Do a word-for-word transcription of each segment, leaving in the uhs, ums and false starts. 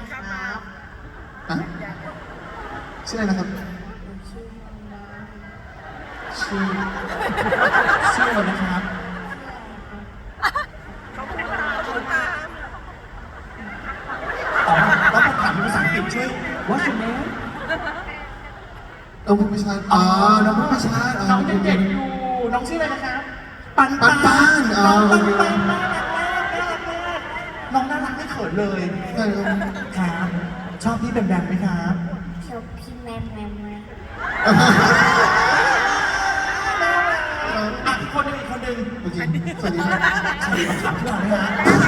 ครับอะชื่ออะไรนะครับชื่อชื่อชื่ออะไรนะครับอ๋อต้องถามเป็นภาษาอังกฤษช่วย What's your name น้องผู้พิชาอ๋อน้องผู้พิชาน้องยังเด็กอยู่น้องชื่ออะไรนะครับปันปันปันน้องปันอ๋อปันน่ารักมากน่ารักมากน้องน่ารักไม่เขินเลยใช่ครับครับชอบพี่แบมแบมไหมครับชอบพี่แมมแมมไหมอ่ะอีกคนหนึงอีกคนหนึงโอเคสวัสดีครับสวัสดีครับถามพี่หน่อยไหมฮะ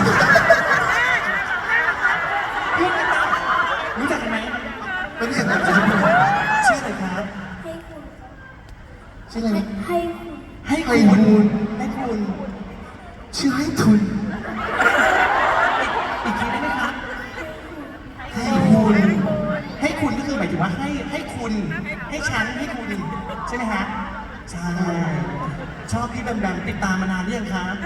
พี่นะครับรู้จักกันไหมไม่ได้เห็นแบบชื่ออะไรครับให้คุณชื่ออะไรนะให้คุณให้คุณให้คุณชื่อให้ทุนอีกทีได้ไหมครับให้คุณให้คุณก็คือหมายถึงว่าให้ให้คุณให้ฉันให้คุณใช่ไหมฮะใช่ชอบพี่แบมแบมติดตามมานานหรือยังครับ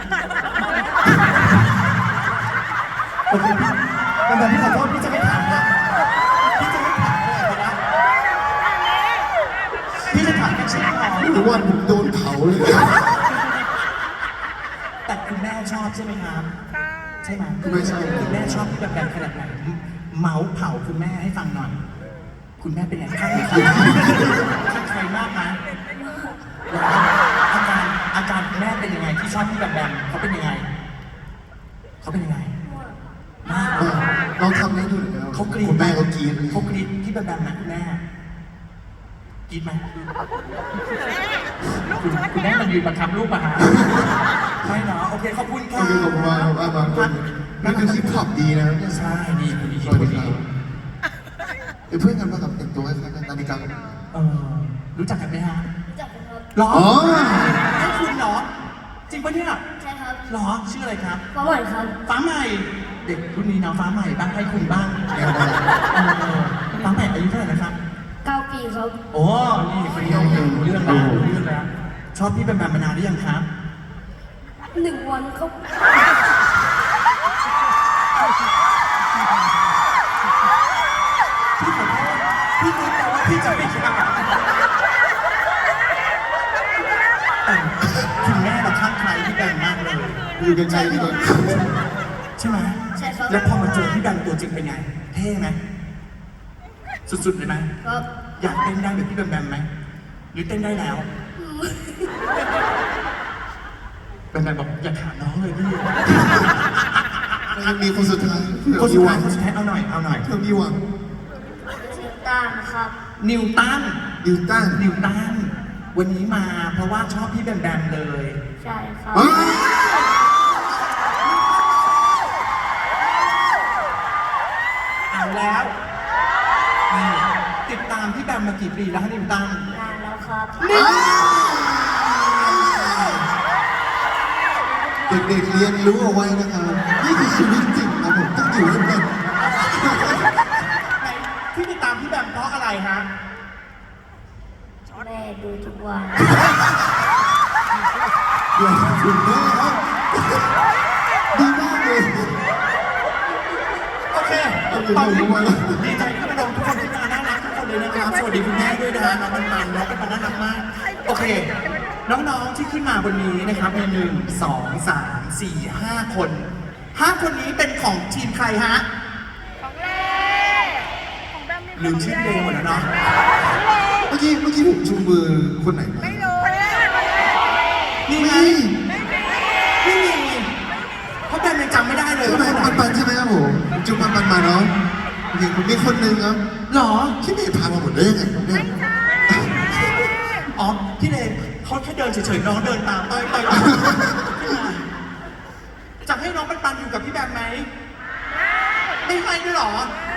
โอเคพี่แบมแบมพี่ขอโทษพี่จะไม่ถามนะพี่จะไม่ถามเลยนะพี่จะถามแค่ชื่อพอทุกวันผมโดนเผาเลยแต่คุณแม่ชอบใช่ไหมครับใช่ไหมคุณแม่ชอบคุณแม่ชอบพี่แบมแบมขนาดไหนเมาส์เผาคุณแม่ให้ฟังหน่อยคุณแม่เป็นไงข้างใครข้างใครมากนะอาการอาการคุณแม่เป็นยังไงที่ชอบพี่แบมแบมเขาเป็นยังไงเขาเป็นยังไงมากเออลองทำให้ดูหน่อยนะครับเขากรี๊ดคุณแม่เขากรี๊ดเลยเขากรี๊ดพี่แบมแบมนะคุณแม่กรี๊ดไหมคุณคุณแม่มันยืนบังคับลูกป่ะฮะไม่เนาะโอเคขอบคุณค่ะก็คือผมว่าว่าบางคนนี่คือฮิปฮอปดีนะเนี่ยใช่ดีคุณดีสวัสคุณดีคดีรับเป็นเพื่อนกันป่ะครับแต่งตัวคล้ายๆกันนาฬิกาเออรู้จักกันไหมฮะรู้จักกันครับหรออ๋อให้คุณเหรอจริงปะเนี่ยใช่ครับหรอชื่ออะไรครับประวัติครับฟ้าใหม่ เด็กรุ่นนี้เนาะฟ้าใหม่บ้างให้คุณบ้างแนวได้เออฟ้าใหม่อายุเท่าไหร่นะครับเก้าปีครับโอ้นี่คนนี้รู้เรื่องแล้วรู้เรื่องแล้วชอบพี่แบมแบมมานานหรือยังครับหนึ่งวันครับพี่ขอโทษพี่รู้แต่ว่าพี่จะไม่คิดอะไรแต่คุณแม่เราข้างใครพี่แบมมากเลยอยู่กันใจดีกว่าใช่ไหมใช่ครับแล้วพอมาเจอพี่แบมตัวจริงเป็นไง เท่ไหมสุดๆเลยไหมครับอยากเต้นได้แบบพี่แบมแบมไหมหรือเต้นได้แล้วแบมแบมบอกอย่าถามน้องเลยพี่ยังมีคนสุดท้ายคนสุดท้ายเผื่อมีหวังคนสุดท้ายเอาหน่อยเอาหน่อยเพื่อมีหวังชื่อต้านครับนิวตันดิวตันนิวตันวันนี้มาเพราะว่าชอบพี่แบมแบมเลยใช่ครับอ๋อเอาแล้วนี่ติดตามพี่แบมมากี่ปีแล้วฮะนิวตันนานแล้วครับเด็กๆเรียนรู้เอาไว้นะครับนี่คือชีวิตจริงนะผมต้องอยู่ให้เป็นไหนที่ติดตามพี่แบมเพราะอะไรฮะแม่ดูทุกวันเดี๋ยวถึงแม่ครับดีมากเลยโอเคเอาอยู่ตอนนี้ทุกวันดีใจที่มาลงทุกคนที่มาน่ารักทุกคนเลยนะครับ สวัสดีคุณแม่ด้วยนะฮะน้องมันมันน้องเป็นมันน่ารักมาก โอเค น้องๆที่ขึ้นมาบนนี้นะครับมีหนึ่งสองสามสี่ห้าคนห้าคนนี้เป็นของทีมใครฮะของเล่ของแบมมีลืมชื่อเดย์หมดแล้วเนาะเมื่อกี้เมื่อกี้ผมชูมือคนไหนมาไม่รู้เลยนี่ไงมีไม่มีเพราะแบมยังจำไม่ได้เลยใช่ไหมว่าคนไหนปันปันใช่ไหมครับผมผมจูปันปันมาเนาะโอเคผมมีคนหนึ่งครับหรอที่ไม่พามาหมดได้ยังไงครับเนี่ยอ๋อ พี่เลนเขาแค่เดินเฉยๆ น้องเดินตามเต้ยเต้ยจะให้น้องปันปันอยู่กับพี่แบมไหม ไม่ให้ด้วยเหรอ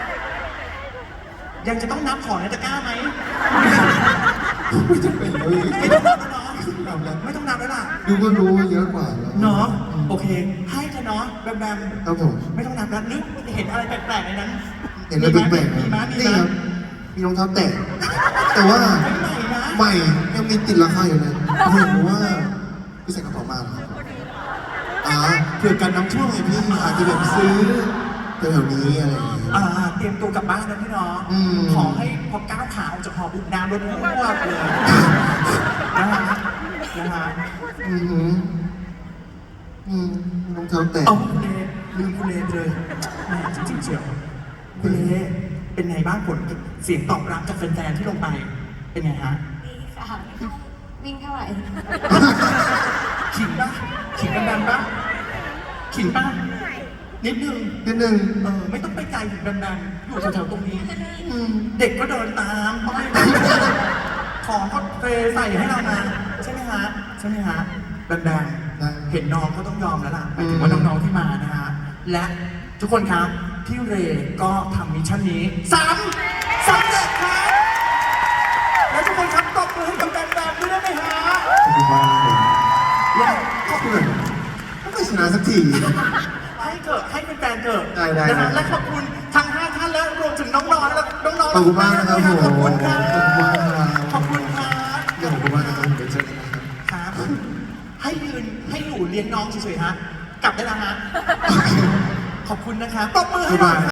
ยังจะต้องนับของในตะกร้าไหมไม่จำเป็นเลยไม่ต้องนับแล้วเนาะเอาละไม่ต้องนับแล้วล่ะดูก็รู้ว่าเยอะกว่าแล้วเนาะ โอเค ให้เธอะเนาะแบมแบมครับผมไม่ต้องนับแล้วนึกเห็นอะไรแปลกๆในนั้นเห็นแล้วแปลกๆมีนะไหมมีนี่ไหมครับมีรองเท้าแตะแต่ว่าใหม่นะใหม่ยังมีติดราคาอยู่เลยผมเห็นว่าพี่ใส่กระเป๋ามาเหรอครับอ่าเผื่อกันน้ำท่วมไงพี่อาจจะแบบซื้อแถวๆนี้อะไรอย่างเงี้ยอ่าตตรียมตัวกลับบ้านนะพี่น้องอืมขอให้พอก้าวขาออกจากหอปุ๊บน้ำลดพรวดเลยนะฮะนะฮะอือหืออืมรองเท้าแตะเอาคุณเลลืมคุณเลไปเลยแหมจริงๆเชียวคุณเลเป็นไงบ้างผลเสียงตอบรับจากแฟนๆที่ลงไป เป็นไงฮะดีค่ะวิ่งเท่าไหร่ขิงป่ะขิงกันดันป่ะขิงป่ะนิดนึงนิดนึงเออไม่ต้องไปไกลถึงดันๆอยู่แถวๆตรงนี้อืมเด็กก็เดินตามป้ายของก็เทใส่ให้เรามาใช่ไหมฮะใช่ไหมฮะดังๆเห็นน้องก็ต้องยอมแล้วล่ะหมายถึงว่าน้องๆที่มานะฮะและทุกคนครับพี่เรก็ทำมิชชั่นนี้สามสำเร็จครับและทุกคนครับตบมือให้กับแบมๆด้วยได้ไหมฮะขอบคุณมากเลยและขอบคุณไม่ชนะสักทีให้เกิดให้เป็นแฟนๆเกิดได้ได้นะฮะได้และขอบคุณทั้งห้าท่านและรวมถึงน้องๆและน้องๆขอบคุณมากนะครับผมขอบคุณครับขอบคุณมากครับขอบคุณครับขอบคุณมากนะครับเดี๋ยวเจอกันนะครับครับ ให้ยืนให้อยู่เลี้ยงน้องเฉยๆฮะ กลับได้แล้วฮะ ขอบคุณนะครับปรบมือให้หน่อย